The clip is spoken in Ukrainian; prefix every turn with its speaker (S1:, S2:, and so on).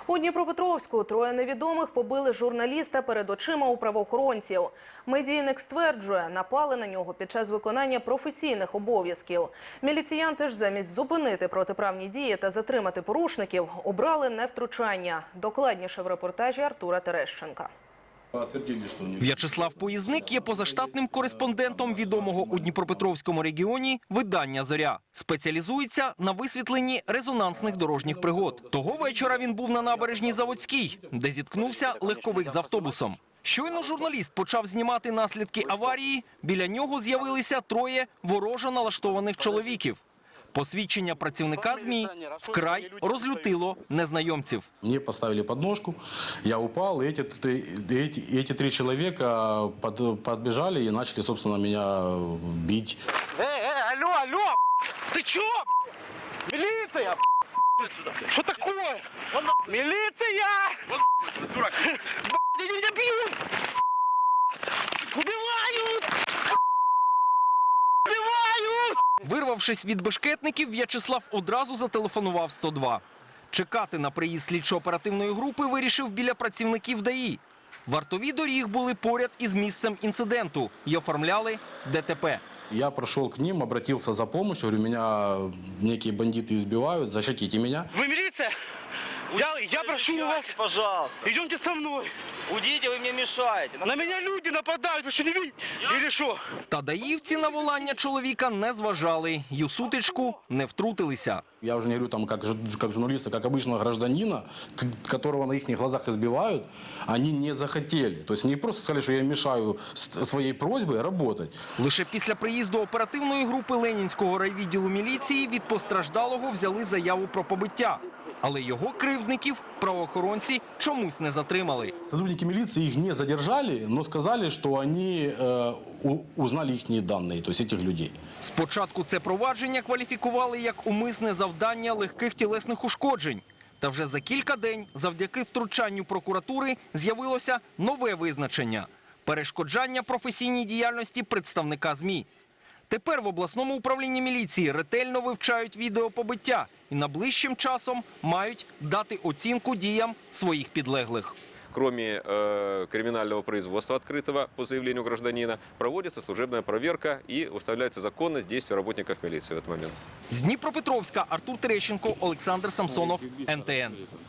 S1: У Дніпропетровську троє невідомих побили журналіста перед очима у правоохоронців. Медійник стверджує, напали на нього під час виконання професійних обов'язків. Міліціянти ж замість зупинити протиправні дії та затримати порушників, обрали невтручання. Докладніше в репортажі Артура Терещенка.
S2: В'ячеслав Поїзник є позаштатним кореспондентом відомого у Дніпропетровському регіоні видання «Зоря». Спеціалізується на висвітленні резонансних дорожніх пригод. Того вечора він був на набережній Заводській, де зіткнувся легковик з автобусом. Щойно журналіст почав знімати наслідки аварії, біля нього з'явилися троє ворожо налаштованих чоловіків. Посвідчення працівника ЗМІ вкрай розлютило незнайомців.
S3: Мені поставили подножку, я упав, і ці три чоловіка підбіжали і почали, собственно, мене бити.
S4: Алло, ти чого? Міліція! Що таке? Міліція! Дурак! Меня бьют! Убивают! Убивают!
S2: Вирвавшись від бешкетників, В'ячеслав одразу зателефонував 102. Чекати на приїзд слідчо-оперативної групи вирішив біля працівників ДАІ. Вартові доріг були поряд із місцем інциденту і оформляли ДТП.
S3: Я пришел к ним, обратился за помощью, говорю, меня некие бандиты избивают, защитите меня.
S4: Вы милиция? Я прошу вас,
S5: пожалуйста.
S4: идемте со мной.
S5: Уйдите, вы мне мешаете.
S4: На меня люди нападают, вы что не видите? Или что?
S2: Та даївці на волання чоловіка не зважали і у сутичку не втрутилися.
S3: Я уже не говорю там как журналиста, как обычного гражданина, которого на их глазах избивают, они не захотели. То есть не просто сказали, что я мешаю своей просьбой работать.
S2: Лише після приїзду оперативної групи Ленінського райвідділу міліції від постраждалого взяли заяву про побиття. Але його кривдників правоохоронці чомусь не затримали.
S3: Сотрудники милиции их не задержали, но сказали, что они узнали их данные, то есть этих людей.
S2: Спочатку це провадження кваліфікували як умисне завдання легких тілесних ушкоджень. Та вже за кілька день завдяки втручанню прокуратури з'явилося нове визначення – перешкоджання професійній діяльності представника ЗМІ. Тепер в обласному управлінні міліції ретельно вивчають відеопобиття і найближчим часом мають дати оцінку діям своїх підлеглих.
S6: Кроме криминального производства открытого по заявлению гражданина, проводится служебная проверка и установляется законность действий работников милиции в этот момент.
S2: З Дніпропетровська Артур Терещенко, Олександр Самсонов, НТН.